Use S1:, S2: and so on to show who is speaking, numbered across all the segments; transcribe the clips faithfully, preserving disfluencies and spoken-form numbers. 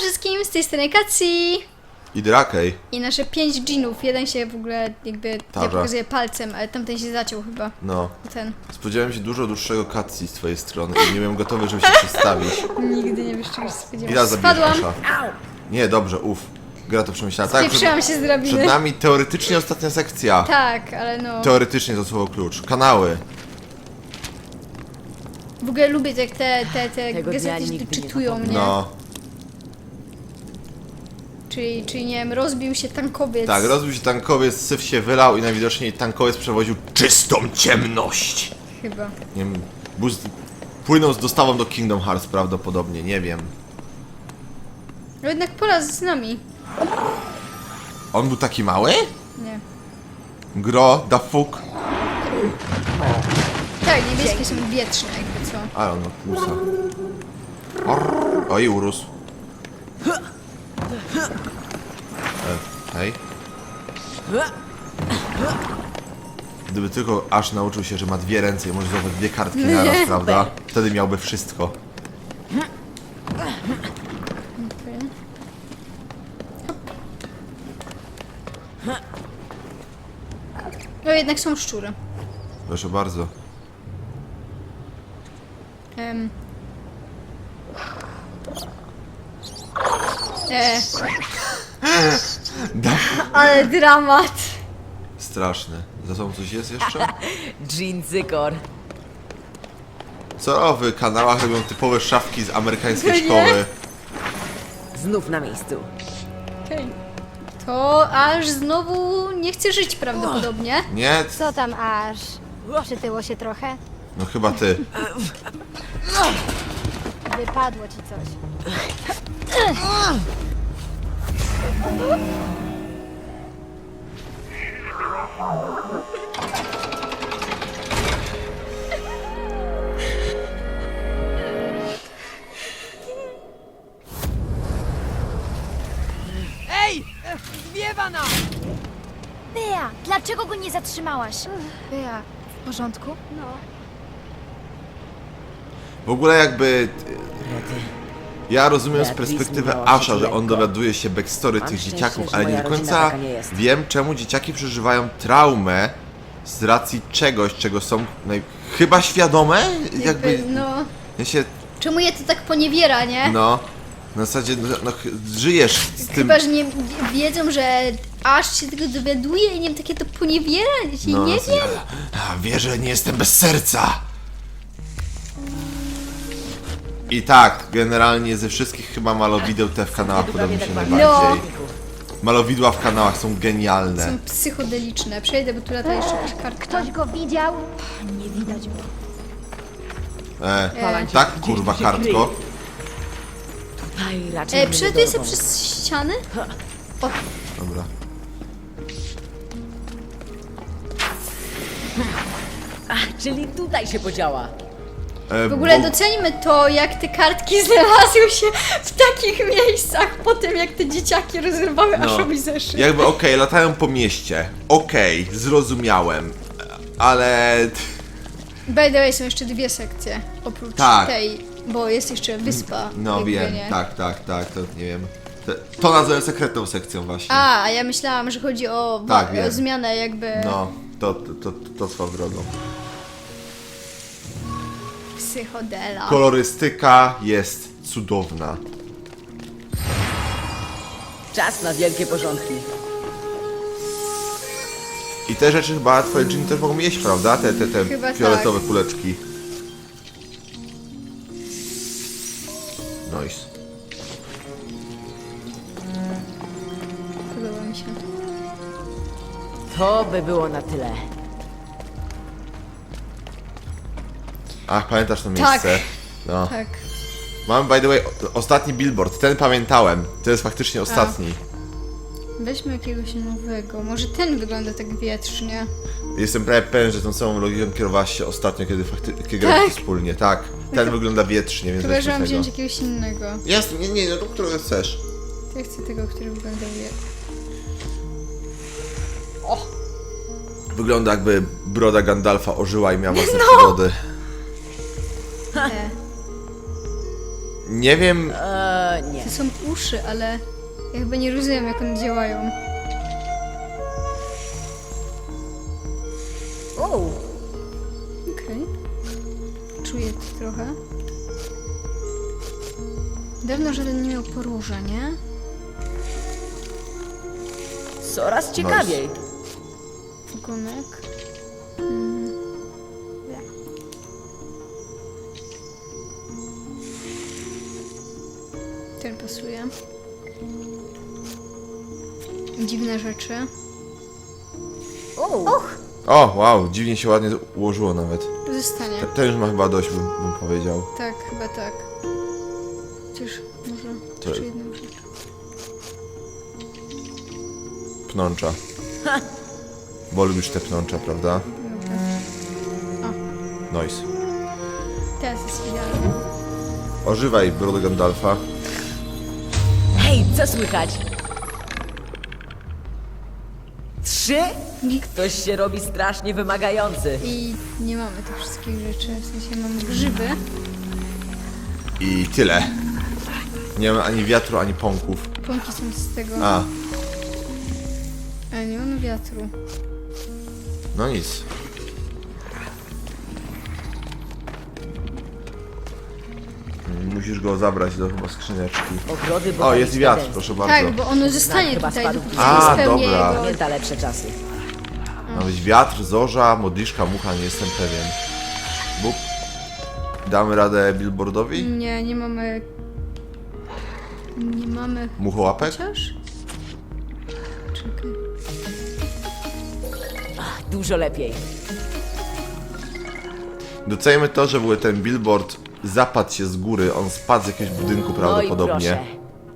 S1: wszystkim, z tej strony Kacji
S2: I Drakej.
S1: i nasze pięć dżinów. Jeden się w ogóle jakby, ja
S2: Dobra.
S1: pokazuję palcem, ale tamten się zaciął chyba.
S2: No.
S1: Ten.
S2: Spodziewałem się dużo dłuższego cutscene z twojej strony i nie byłem gotowy, żeby się przedstawić.
S1: Nigdy nie wiesz, czego się
S2: I
S1: spodziewasz.
S2: raz zabijesz
S1: Spadłam,
S2: Asha. Nie, dobrze, uff. Gra to przemyślała. Tak, przed,
S1: spieprzyłam się z drabiny.
S2: przed nami teoretycznie ostatnia sekcja.
S1: Tak, ale no.
S2: Teoretycznie to słowo klucz. Kanały.
S1: W ogóle lubię jak te, te, te
S3: Tego dnia
S1: gazety się
S3: nigdy
S1: tu
S3: nie
S1: czytują, nie?
S2: No.
S1: Czyli, czyli nie wiem, rozbił się tankowiec.
S2: Tak, rozbił się tankowiec, syf się wylał i najwidoczniej tankowiec przewoził czystą ciemność.
S1: Chyba.
S2: Nie wiem, był z, płynął z dostawą do Kingdom Hearts prawdopodobnie, nie wiem.
S1: No jednak pola z nami.
S2: On był taki mały?
S1: Nie.
S2: Gro, da fuck.
S1: Tak, niebieskie są wietrzne jakby co.
S2: Ale on ma musa. Orr. Oj, urósł. E, hej. Gdyby tylko aż nauczył się, że ma dwie ręce i może zdobyć dwie kartki naraz, prawda? Wtedy miałby wszystko.
S1: Okay. No jednak są szczury.
S2: Proszę bardzo.
S1: Um. E,
S2: Da.
S1: ale dramat.
S2: Straszny. Za sobą coś jest jeszcze?
S3: Jean Zykor.
S2: Co w kanałach robią typowe szafki z amerykańskiej
S1: No nie?
S2: szkoły?
S3: Znów na miejscu.
S1: Okej. To aż znowu nie chce żyć prawdopodobnie.
S2: Nie?
S4: Co tam aż? Przytyło się trochę?
S2: No chyba ty.
S4: Wypadło ci coś.
S3: Ej! Zwiewa nam!
S4: Bea, dlaczego go nie zatrzymałaś? Bea, w porządku? No.
S2: W ogóle jakby...
S3: Rety.
S2: Ja rozumiem z
S3: Beatrice
S2: perspektywy
S3: minęła się
S2: Asha, że
S3: lekko.
S2: on dowiaduje się backstory
S3: Mam
S2: tych
S3: szczęście,
S2: dzieciaków,
S3: że
S2: ale nie
S3: moja
S2: do
S3: rodzina
S2: końca
S3: taka nie jest.
S2: wiem, czemu dzieciaki przeżywają traumę z racji czegoś, czego są naj... chyba świadome? Jakby...
S1: No.
S2: Ja się...
S1: Czemu je to tak poniewiera, nie?
S2: No... Na zasadzie, no, no ch- żyjesz z tym...
S1: Chyba, że nie wiedzą, że aż się tego dowiaduje i nie wiem, takie to poniewiera, się
S2: No,
S1: nie
S2: na zasadzie,
S1: wiem.
S2: A, wierzę, że nie jestem bez serca! I tak, generalnie ze wszystkich chyba malowideł te w kanałach podoba mi się
S3: tak
S2: najbardziej.
S1: No.
S2: Malowidła w kanałach są genialne.
S1: Są psychodeliczne. Przejdę, bo tu lata jeszcze jakaś kartka.
S4: Ktoś go widział? Nie widać go.
S2: E,
S3: Palańcie,
S2: tak,
S3: gdzieś
S2: kurwa,
S3: tu się
S2: kartko.
S3: kryje. Tutaj raczej
S1: E,
S3: nie
S1: Przelatuję sobie
S3: dorwą.
S1: przez ściany? O,
S2: Dobra.
S3: A, czyli tutaj się podziała.
S2: E,
S1: w ogóle
S2: bo-
S1: doceńmy to, jak te kartki znalazły się w takich miejscach po tym, jak te dzieciaki rozrywały
S2: No.
S1: Ashowi zeszyt.
S2: Jakby okej, latają po mieście. Okej, zrozumiałem. Ale...
S1: By the way, są jeszcze dwie sekcje, oprócz
S2: Tak.
S1: tej, bo jest jeszcze wyspa.
S2: No
S1: jakby,
S2: wiem,
S1: nie?
S2: tak, tak, tak, to nie wiem. To, to nazywam sekretną sekcją właśnie.
S1: A, a ja myślałam, że chodzi o, wa-
S2: Tak, wiem.
S1: o zmianę jakby
S2: No, to, to, to, to swoją drogą.
S1: psychodela.
S2: Kolorystyka jest cudowna.
S3: Czas na wielkie porządki.
S2: I te rzeczy chyba twoje dżiny też mogą jeść, prawda? Te, te, te
S1: Chyba
S2: fioletowe
S1: tak.
S2: kuleczki. Nice.
S1: Podoba mi się.
S3: To by było na tyle.
S2: Ach, pamiętasz to
S1: Tak.
S2: miejsce? No.
S1: Tak.
S2: Mam, by the way, o- ostatni billboard. Ten pamiętałem. To jest faktycznie ostatni.
S1: Weźmy jakiegoś nowego. Może ten wygląda tak wietrznie.
S2: Jestem prawie pewien, że tą samą logiką kierowałaś się ostatnio, kiedy faktycznie kiedy graliście
S1: Tak.
S2: wspólnie. Tak. Ten wygląda wietrznie, więc
S1: Chyba,
S2: weźmy
S1: że mam
S2: tego.
S1: wziąć jakiegoś innego.
S2: Jasne, nie, nie, no to którego chcesz.
S1: To ja chcę tego, który wygląda wietrznie.
S2: Wygląda jakby broda Gandalfa ożyła i miała własne
S1: No.
S2: przygody.
S1: E.
S2: Nie wiem...
S3: Eee, nie.
S1: To są uszy, ale ja chyba nie rozumiem, jak one działają.
S3: O,
S1: Okej. Czuję to trochę. Dawno żaden nie miał podróża, nie?
S3: coraz ciekawiej.
S1: Ogonek. Mm. Ja. Ten pasuje. Dziwne rzeczy.
S3: O,
S2: O, wow, dziwnie się ładnie ułożyło nawet.
S1: Zostanie.
S2: Ten- Ten już ma chyba dość, bym, bym powiedział.
S1: Tak, chyba tak. Chociaż może
S2: To-
S1: jeszcze jedną rzecz.
S2: Pnącza. Bo lubisz te pnącza, prawda? Nice.
S1: Teraz jest idealnie.
S2: Ożywaj, brodę Gandalfa.
S3: hej, co słychać? Trzy?
S1: I,
S3: Ktoś się robi strasznie wymagający.
S1: I nie mamy tych wszystkich rzeczy. W sensie mamy grzyby.
S2: I tyle. Nie mamy ani wiatru, ani pąków.
S1: Pąki są z tego.
S2: A,
S1: Ale nie mamy wiatru.
S2: no nic. Musisz go zabrać do chyba skrzyneczki.
S3: Ogrody
S2: O, jest
S3: botaniczne
S2: wiatr,
S3: Dęsty.
S2: proszę bardzo.
S1: Tak, bo ono zostanie
S3: chyba
S1: tutaj,
S3: spadł
S1: dopóki
S3: gdzieś.
S1: nie
S2: A,
S1: spełni
S2: dobra.
S1: jego...
S3: Pamięta lepsze czasy.
S2: Ma być wiatr, zorza, modliszka, mucha, nie jestem pewien. Bób. Damy radę billboardowi?
S1: Nie, nie mamy... Nie mamy...
S2: Muchołapek?
S1: Chociaż? Czekaj.
S3: Dużo lepiej.
S2: Docejmy to, że w ogóle ten billboard zapadł się z góry, on spadł z jakiegoś budynku
S3: No i
S2: prawdopodobnie.
S3: proszę.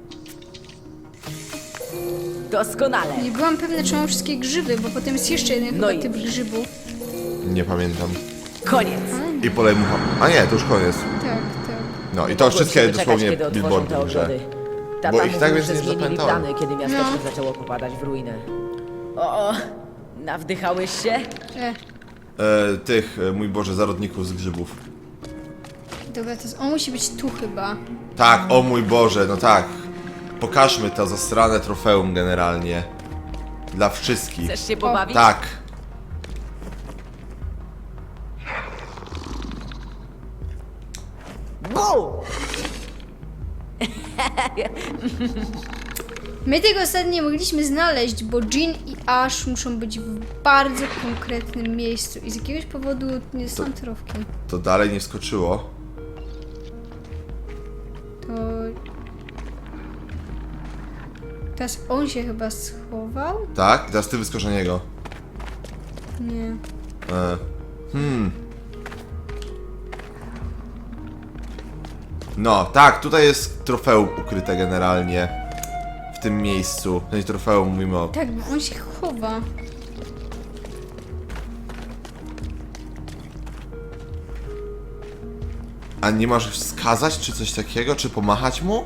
S3: Doskonale.
S1: Nie byłam pewna, czy mam wszystkie grzyby, bo potem jest jeszcze jeden
S3: No
S1: chyba
S3: i
S1: typ
S3: już.
S1: grzybów.
S2: Nie pamiętam.
S3: Koniec.
S2: I polej mucha. A nie, to już koniec.
S1: Tak, tak.
S2: No i
S3: Nie
S2: to
S3: mogłem
S2: wszystkie
S3: się doczekać,
S2: dosłownie
S3: kiedy otworzą
S2: billboardy
S3: te
S2: w grze.
S3: ogrody. Tata
S2: Bo ich
S3: mówił,
S2: tak
S3: że
S2: więcej nie
S3: zmienili
S2: zapamiętałem.
S3: plany, kiedy miasteczko
S1: No.
S3: zaczęło popadać w ruinę. O, o, nawdychałeś się?
S1: E,
S2: E, tych, e, mój Boże, zarodników z grzybów.
S1: dobra, to jest... On musi być tu chyba.
S2: Tak, o mój Boże, no tak. Pokażmy to zasrane trofeum generalnie. Dla wszystkich.
S3: Chcesz się pobawić?
S2: Tak.
S3: Bu!
S1: My tego ostatnio nie mogliśmy znaleźć, bo Jean i Ash muszą być w bardzo konkretnym miejscu i z jakiegoś powodu nie są trofki.
S2: To dalej nie wskoczyło.
S1: To... Teraz on się chyba schował?
S2: Tak? Teraz ty wyskocz na niego.
S1: Nie.
S2: E. Hmm. No, tak, tutaj jest trofeum ukryte generalnie. W tym miejscu. To jest trofeum, mówimy o...
S1: Tak, bo on się chowa.
S2: A nie masz wskazać, czy coś takiego, czy pomachać mu?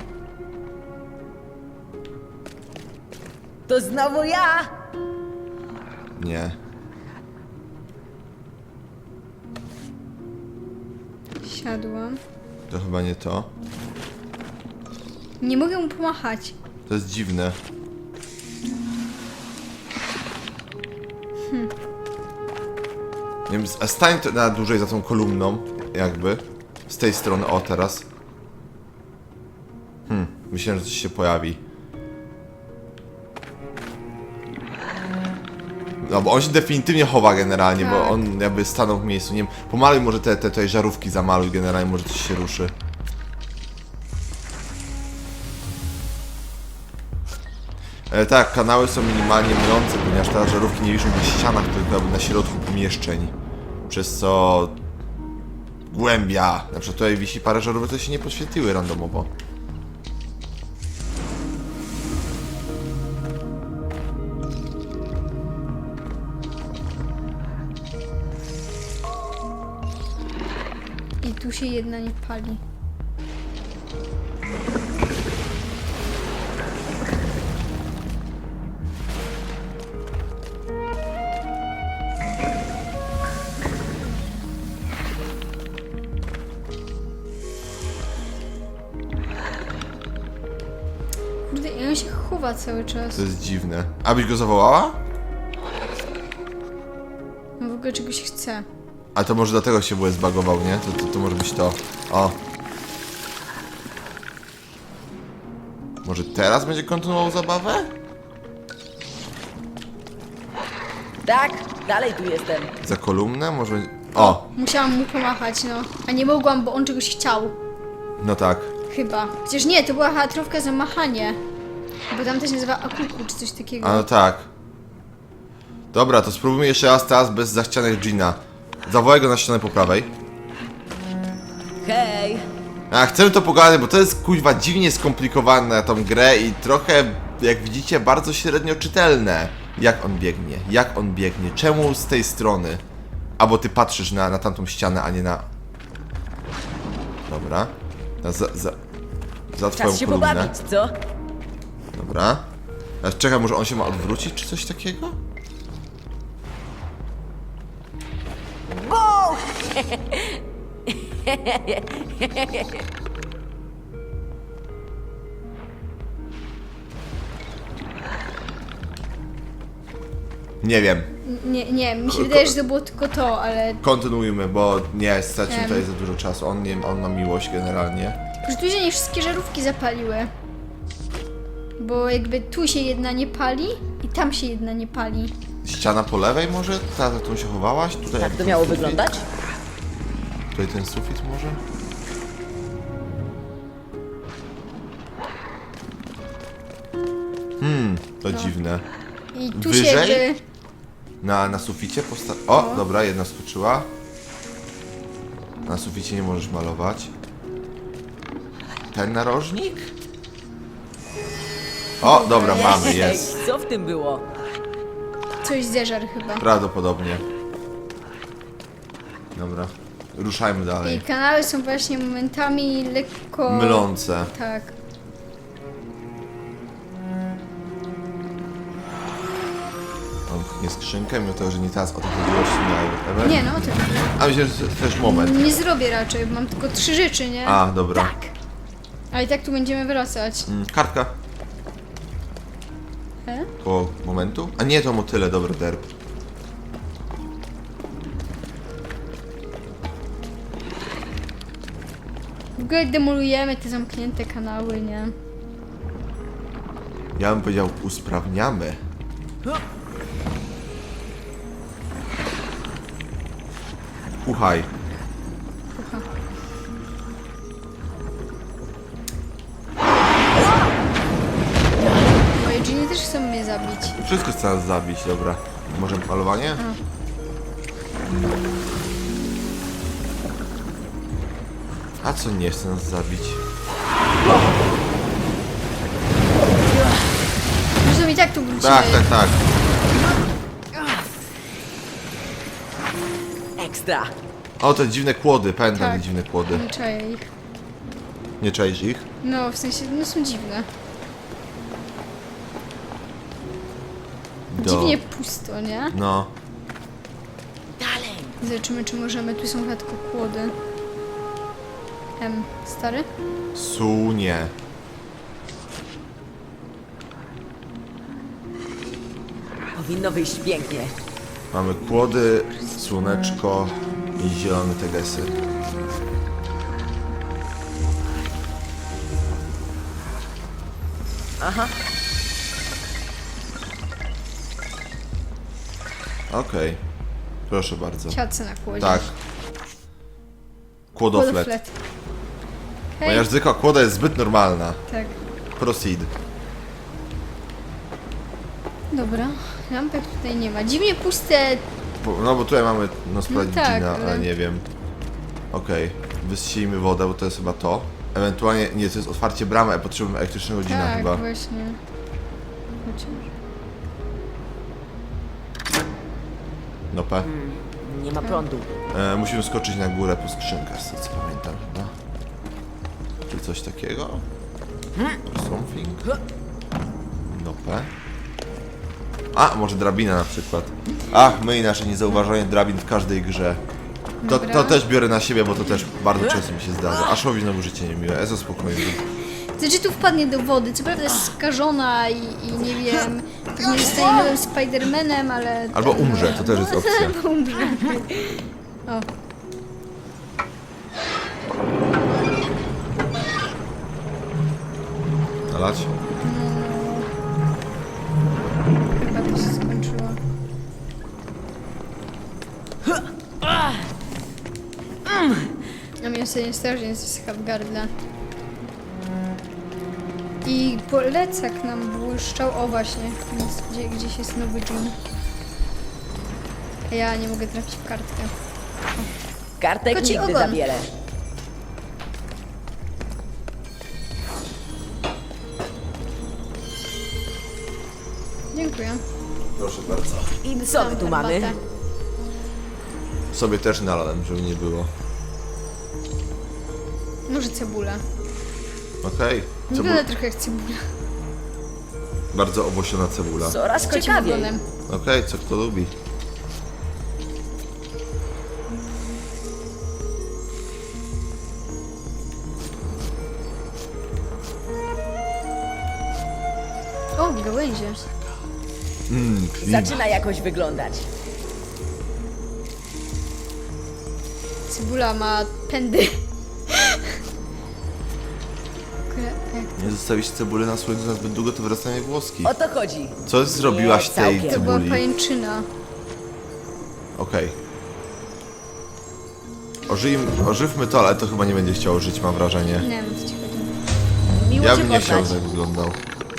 S3: To znowu ja!
S2: Nie.
S1: Siadłam.
S2: To chyba nie to.
S1: Nie mogę mu pomachać.
S2: To jest dziwne. Nie wiem, a stań to na dłużej za tą kolumną, jakby. Z tej strony, o teraz. Hmm, myślałem, że coś się pojawi. No, bo on się definitywnie chowa generalnie, bo
S1: Tak.
S2: on jakby stanął w miejscu. Nie wiem, pomaluj może te, te, te żarówki, zamaluj generalnie, może coś się ruszy. E, tak, kanały są minimalnie mylące, ponieważ te żarówki nie wiszą na ścianach, tylko jakby na środku pomieszczeń. Przez co... Głębia. Na przykład tutaj wisi parę żarówek, które się nie podświetliły randomowo.
S1: I tu się jedna nie pali. Kurde, i on się chowa cały czas.
S2: To jest dziwne. Abyś go zawołała?
S1: On w ogóle czegoś chce.
S2: A to może dlatego się było zbagował, nie? To, to, to może być to. O. Może teraz będzie kontynuował zabawę?
S3: Tak, dalej tu jestem.
S2: Za kolumnę? Może... O!
S1: Musiałam mu pomachać, no. A nie mogłam, bo on czegoś chciał.
S2: No tak.
S1: Chyba. Chociaż nie, to była chatrówka za machanie. Bo tam też się nazywa Akuku, czy coś takiego.
S2: A no tak. Dobra, to spróbujmy jeszcze raz teraz bez zachcianych Gina. Zawołaj go na ścianę po prawej.
S3: Hej!
S2: A chcemy to pogadać, bo to jest kuźwa dziwnie skomplikowane na tą grę i trochę, jak widzicie, bardzo średnio czytelne. Jak on biegnie, jak on biegnie, czemu z tej strony? Albo ty patrzysz na, na tamtą ścianę, a nie na... Dobra. Na za, za, za twoją
S3: Czas się
S2: kolumnę.
S3: pobawić, co?
S2: Dobra. A czekaj, może on się ma odwrócić, czy coś takiego? Nie wiem.
S1: Nie, nie, mi się
S2: Ko-
S1: wydaje,
S2: ko-
S1: że to było tylko to, ale...
S2: Kontynuujmy, bo nie, stracimy
S1: Em.
S2: tutaj za dużo czasu. On, nie, on ma miłość generalnie.
S1: Że tu się nie wszystkie żarówki zapaliły. Bo jakby tu się jedna nie pali i tam się jedna nie pali.
S2: Ściana po lewej może? Ta, za którą się chowałaś? Tutaj
S3: Tak
S2: jak
S3: to miało
S2: sufit?
S3: wyglądać?
S2: Tutaj ten sufit może? Hmm, to dziwne.
S1: I tu
S2: Wyżej?
S1: się jakby...
S2: Na, na suficie posta... O, dobra, jedna skoczyła. Na suficie nie możesz malować. Ten narożnik? O, dobra, mamy, jest.
S3: Ej, co w tym było?
S1: Coś zeżar chyba.
S2: Prawdopodobnie. Dobra, ruszajmy
S1: I
S2: dalej.
S1: kanały są właśnie momentami lekko...
S2: Mylące.
S1: Tak.
S2: On pchnie skrzynkę, mimo tego, że nie teraz o to chodziło, czy nie,
S1: Nie no, to
S2: A myślę, że to jest też moment.
S1: nie zrobię raczej, bo mam tylko trzy rzeczy, nie?
S2: A, dobra.
S1: Tak. Ale i tak tu będziemy wracać.
S2: Mm, kartka.
S1: E?
S2: Koło momentu? A nie, to motyle, dobra, derb.
S1: W ogóle demolujemy te zamknięte kanały, nie?
S2: Ja bym powiedział, usprawniamy. Uchaj.
S1: Moje dżiny też chcą mnie zabić.
S2: Wszystko chce nas zabić, dobra. Może malowanie? A co nie chce nas zabić?
S1: Zresztą i tak tu wrócimy.
S2: Tak, tak, tak.
S3: Ekstra!
S2: O, te dziwne kłody, pamiętam
S1: Tak.
S2: te dziwne kłody.
S1: Nie czaję ich.
S2: Nie czaisz ich?
S1: No, w sensie, no są dziwne.
S2: Do...
S1: Dziwnie pusto, nie?
S2: No.
S3: Dalej!
S1: Zobaczymy, czy możemy. Tu są chyba tylko kłody. Em, stary?
S2: Sunie.
S3: Powinno wyjść pięknie.
S2: Mamy kłody, słoneczko i zielone tegesy.
S3: Aha.
S2: Okej. Proszę bardzo.
S1: Siadce na kłodzie.
S2: Tak. Kłodoflet.
S1: Kłodoflet. Hej.
S2: Moja zwykła kłoda jest zbyt normalna.
S1: Tak.
S2: Proceed.
S1: Dobra. Lampek tutaj nie ma. Dziwnie puste.
S2: Po- No bo tutaj mamy no sprawdzić
S1: No tak,
S2: Gina, ale
S1: ale-
S2: nie wiem. Okej. Wysijmy wodę, bo to jest chyba to. Ewentualnie, nie, to jest otwarcie bramy, a potrzebujemy elektrycznego Gina
S1: Tak,
S2: chyba.
S1: właśnie. Chociaż.
S2: No P.
S3: Nie ma prądu.
S2: E, musimy skoczyć na górę po skrzynkę, z tego co pamiętam chyba. Czy coś takiego? Or something? No P. A, może drabina na przykład. Ach, my i nasze niezauważanie drabin w każdej grze. To,
S1: Dobra.
S2: to też biorę na siebie, bo to też bardzo często mi się zdarza. Aszowi znowu życie niemiłe, Ezo spokojnie.
S1: Znaczy tu wpadnie do wody, co prawda jest skażona i, i nie wiem, pewnie zostanie nowym Spidermanem, ale...
S2: Albo
S1: ten-
S2: umrze, to też jest opcja.
S1: Albo umrze. O.
S2: Nalać?
S1: Chyba to się skończyło. A mnie sobie strasznie zasycha w gardle. I polecak nam błyszczał. O właśnie, więc gdzie, gdzieś jest nowy dżin. A ja nie mogę trafić w kartkę.
S3: Kartek
S1: Koci
S3: nigdy
S1: ogon.
S3: za wiele.
S1: Dziękuję.
S2: Proszę bardzo.
S3: I co my
S1: Mam
S3: tu mamy?
S1: herbatę.
S2: Sobie też nalałem, żeby nie było.
S1: Może cebula.
S2: Okej.
S1: Wygląda
S2: Cebu-
S1: trochę jak cebula.
S2: Bardzo owłosiona cebula.
S3: Coraz
S1: Z kocim
S3: ciekawiej.
S1: ogonem.
S2: Okej, co kto lubi.
S1: O, gałęzie.
S2: Mmm, klima.
S3: Zaczyna jakoś wyglądać.
S1: Cebula ma pędy. Kurde, jak
S2: Nie zostawić cebuli na słońcu na zbyt długo, to wyrastają włoski.
S3: O to chodzi.
S2: Co zrobiłaś
S3: Nie,
S2: tej
S3: całkiem.
S1: to była
S2: cebuli?
S1: pajęczyna.
S2: Okej. Ożyjmy- Ożywmy to, ale to chyba nie będzie chciało żyć, mam wrażenie.
S1: Nie wiem, co ci chodzi.
S3: Miło
S2: Ja
S3: cię
S2: bym nie chciał,
S3: poznać.
S2: żeby wyglądał.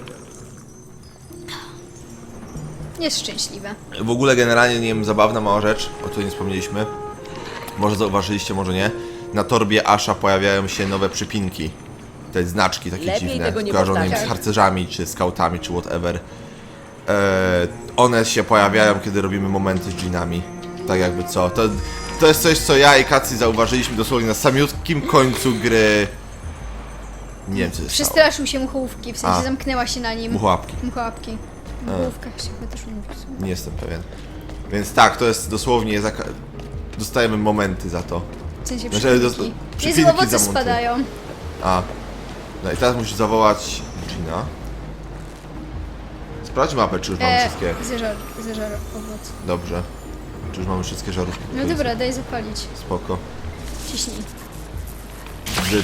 S1: Jest szczęśliwe.
S2: W ogóle generalnie, nie wiem, zabawna mała rzecz, o której nie wspomnieliśmy. Może zauważyliście, może nie. Na torbie Asha pojawiają się nowe przypinki. Te znaczki takie
S3: Lepiej
S2: dziwne,
S3: tego nie
S2: kojarzone im z
S3: powtarzać.
S2: harcerzami, czy skautami, czy whatever. Eee, one się pojawiają, kiedy robimy momenty z dżinami. Tak jakby co. To, to jest coś, co ja i Kacy zauważyliśmy dosłownie na samiutkim końcu gry. Nie wiem, co się stało.
S1: Przestraszył się muchołówki, w sensie
S2: A.
S1: zamknęła się na nim.
S2: Muchołapki.
S1: Muchołapki. W muchołówkach się chyba też mówi. w sumie.
S2: Nie jestem pewien. Więc tak, to jest dosłownie... Zaka- dostajemy momenty za to.
S1: W sensie
S2: Znaczy,
S1: przypinki.
S2: dos-
S1: Jezu,
S2: przypinki
S1: owoce
S2: za monty.
S1: spadają.
S2: A. No i teraz musisz zawołać Gina. Sprawdź mapę, czy już mamy
S1: E,
S2: wszystkie.
S1: zeżar, zeżar owoc.
S2: Dobrze. Czy już mamy wszystkie żarówki?
S1: No
S2: To jest
S1: dobra, daj zapalić.
S2: Spoko.
S1: Ciśnij.
S2: Brzyd.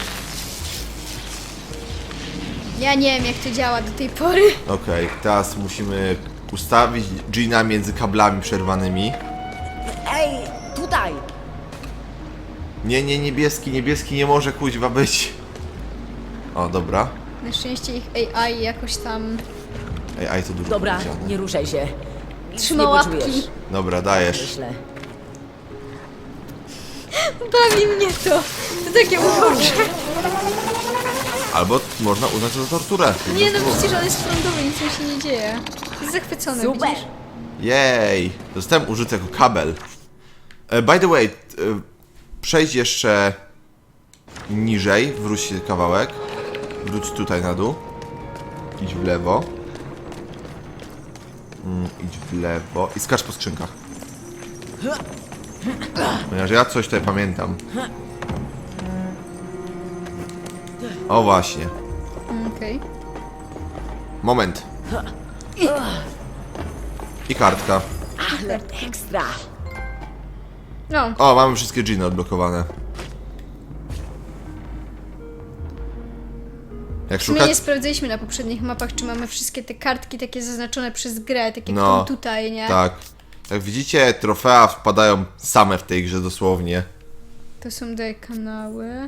S1: Ja nie wiem jak to działa do tej pory.
S2: Okej, teraz musimy ustawić Gina między kablami przerwanymi.
S3: Ej, tutaj!
S2: Nie, nie, niebieski, niebieski nie może kuźwa być. O, dobra.
S1: Na szczęście ich A I jakoś tam
S2: Ej, aj, to dużo
S3: Dobra,
S2: powiedziane.
S3: nie ruszaj się. Nic
S1: trzyma
S3: nie
S1: łapki.
S3: poczujesz,
S2: Dobra, dajesz.
S3: myślę.
S1: Bawi mnie to. To takie urocze.
S2: Albo można uznać to za torturę.
S1: Nie no, przecież on jest frontowy, nic mu się nie dzieje. Jest zachwycony,
S3: Super!
S1: widzisz?
S2: Jej! Zostałem użyty jako kabel. E, by the way, t- e, przejdź jeszcze niżej, wróć się kawałek. Wróć tutaj na dół. Idź w lewo. Mm, idź w lewo i skacz po skrzynkach. Ponieważ ja coś tutaj pamiętam. O właśnie.
S1: Okej.
S2: Moment. I kartka.
S3: Ale ekstra!
S1: No,
S2: O, mamy wszystkie dżiny odblokowane. Jak
S1: w sumie
S2: szukać...
S1: nie sprawdzaliśmy na poprzednich mapach, czy mamy wszystkie te kartki takie zaznaczone przez grę, tak jak
S2: No,
S1: tą tutaj, nie?
S2: Tak. Jak widzicie, trofea wpadają same w tej grze dosłownie.
S1: To są tutaj kanały.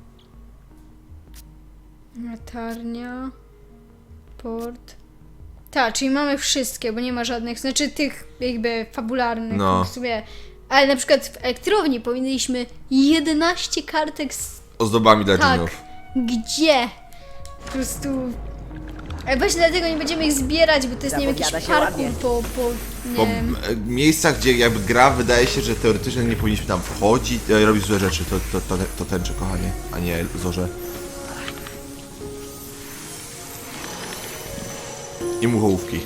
S1: Latarnia. Port. Tak, czyli mamy wszystkie, bo nie ma żadnych, znaczy tych jakby fabularnych.
S2: No.
S1: W sumie. Ale na przykład w elektrowni powinniśmy jedenaście kartek z...
S2: Ozdobami dla
S1: Tak.
S2: dżinów.
S1: Gdzie? Po prostu... Ale właśnie dlatego nie będziemy ich zbierać, bo to jest nie wiem, jakiś
S3: Zapowiada się
S1: parkour
S3: ładnie.
S1: po, po, nie
S2: Po
S1: wiem.
S2: e, miejscach, gdzie jakby gra wydaje się, że teoretycznie nie powinniśmy tam wchodzić, e, robić złe rzeczy, to, to, to, to tęczy, kochanie, a nie zorze. I muchołówki.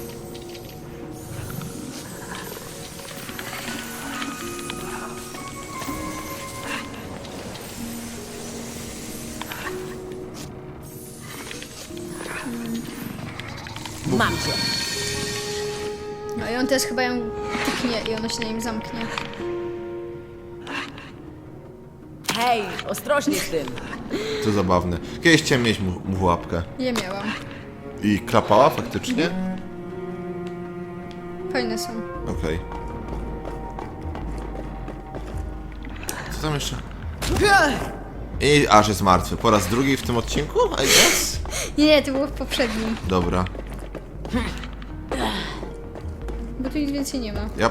S3: Mam cię.
S1: No i on teraz chyba ją tyknie i ona się na nim zamknie.
S3: Hej, ostrożnie z tym.
S2: To zabawne. Kiedyś chciałem mieć mu, mu łapkę.
S1: Ja miałam.
S2: I klapała faktycznie?
S1: Fajne są.
S2: Okej. Co tam jeszcze? I aż jest martwy. Po raz drugi w tym odcinku? I guess?
S1: Nie, nie, to było w poprzednim.
S2: Dobra.
S1: Bo tu nic więcej nie ma.
S2: Yep.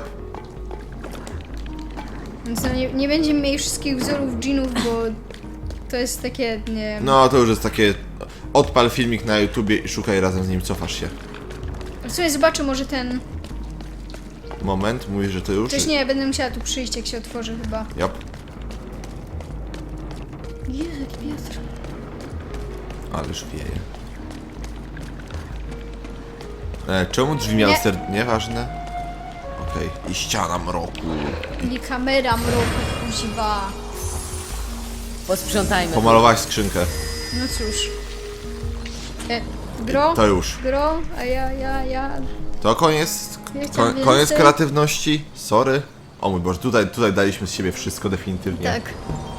S1: Więc no nie, nie będziemy mieli wszystkich wzorów dżinów, bo to jest takie, nie wiem...
S2: No to już jest takie... Odpal filmik na YouTubie i szukaj razem z nim, cofasz się.
S1: W sumie zobaczę może ten...
S2: Moment, mówisz, że to już?
S1: Też nie, będę musiała tu przyjść, jak się otworzy chyba.
S2: Yep.
S1: Jezu, jaki wiatr.
S2: Ależ wieje. E, czemu drzwi miały
S1: Nie.
S2: ser... Nieważne. Okej. I ściana mroku.
S1: I kamera mroku kuziwa.
S3: Posprzątajmy.
S2: Pomalowałaś skrzynkę.
S1: No cóż. E, gro?
S2: To już.
S1: Gro? A ja, ja, ja...
S2: To koniec.
S1: Ja
S2: Ko
S1: chciałam
S2: koniec
S1: więcej.
S2: kreatywności. Sorry. O mój Boże, tutaj, tutaj daliśmy z siebie wszystko definitywnie.
S1: Tak.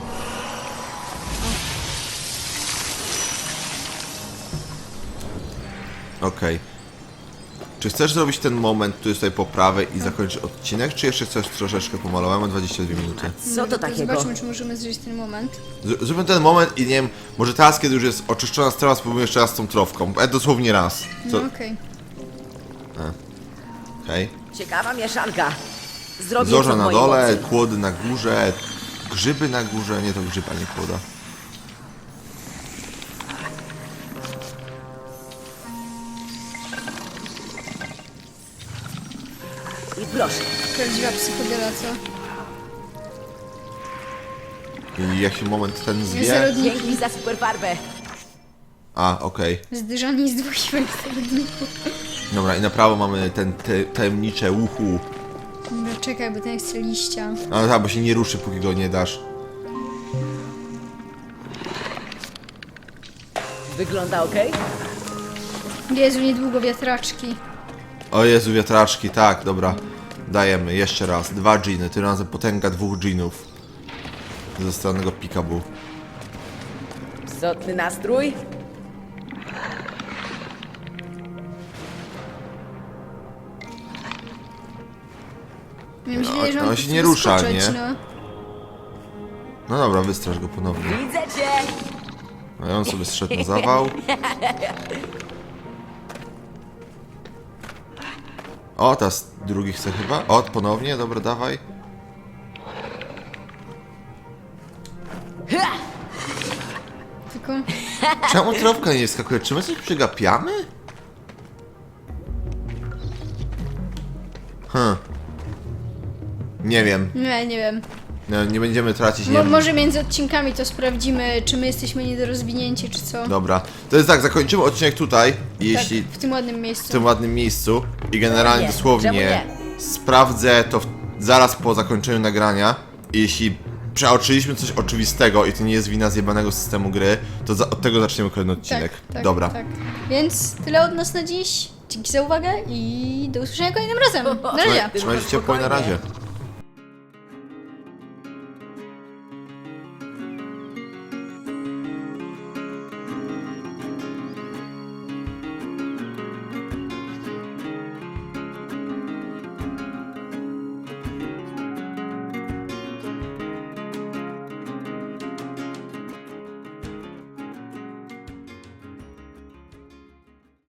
S2: Okej. Czy chcesz zrobić ten moment, który jest tutaj po prawej i zakończyć odcinek, czy jeszcze chcesz troszeczkę pomalować? Mam dwadzieścia dwie minuty.
S3: Co to takiego?
S1: Zobaczmy, czy możemy zrobić ten moment.
S2: Z zróbmy ten moment i nie wiem, może teraz, kiedy już jest oczyszczona strona, spróbujmy jeszcze raz z tą trofką. E, dosłownie raz.
S1: No
S2: To...
S1: okej.
S2: Okej.
S3: Ciekawa mieszanka. Zrobię
S2: Zorze
S3: co w
S2: na
S3: mojej
S2: dole,
S3: mocy.
S2: kłody na górze, grzyby na górze. Nie, to grzyba, nie kłoda.
S3: I proszę.
S1: Prawdziwa psychodela, co?
S2: I jak się moment ten zwie...
S1: Zarodniki.
S3: Dzięki za super farbę.
S2: A, okej.
S1: Zdyżani z dwóch siłek zarodników.
S2: Dobra, i na prawo mamy ten te, tajemnicze uhu.
S1: Dobra, czekaj, bo ten chce liścia.
S2: No tak, bo się nie ruszy, póki go nie dasz.
S3: Wygląda ok?
S1: Jezu, niedługo wiatraczki.
S2: O Jezu, wiatraczki, tak, dobra. Dajemy, jeszcze raz. Dwa dżiny, tym razem potęga dwóch dżinów. Ze strony Pikabu.
S3: Psotny nastrój?
S1: Miałem
S2: No,
S1: nadzieję, że
S2: on
S1: on
S2: się
S1: chce
S2: nie rusza,
S1: wyskoczyć,
S2: nie?
S1: No.
S2: No dobra, wystraż go ponownie.
S3: Widzę cię!
S2: No i on sobie zszedł na zawał. O, teraz drugi chce chyba. O, ponownie, dobra, dawaj.
S1: Tylko...
S2: Czemu trofka nie skakuje? Czy my coś przegapiamy? Hm. Nie wiem.
S1: Nie, nie wiem.
S2: No, nie będziemy tracić, nie
S1: Mo
S2: wiem.
S1: może między odcinkami to sprawdzimy, czy my jesteśmy niedorozwinięci, czy co.
S2: Dobra. To jest tak, zakończymy odcinek tutaj. I
S1: Tak,
S2: jeśli
S1: w tym ładnym miejscu.
S2: w tym ładnym miejscu i generalnie
S3: Nie,
S2: dosłownie
S3: czemu
S2: sprawdzę to w, zaraz po zakończeniu nagrania. I jeśli przeoczyliśmy coś oczywistego i to nie jest wina zjebanego systemu gry, to za, od tego zaczniemy kolejny odcinek.
S1: Tak, tak,
S2: Dobra.
S1: Tak. Więc tyle od nas na dziś. Dzięki za uwagę i do usłyszenia kolejnym razem. Na razie.
S2: Trzymajcie się ciepło i na razie.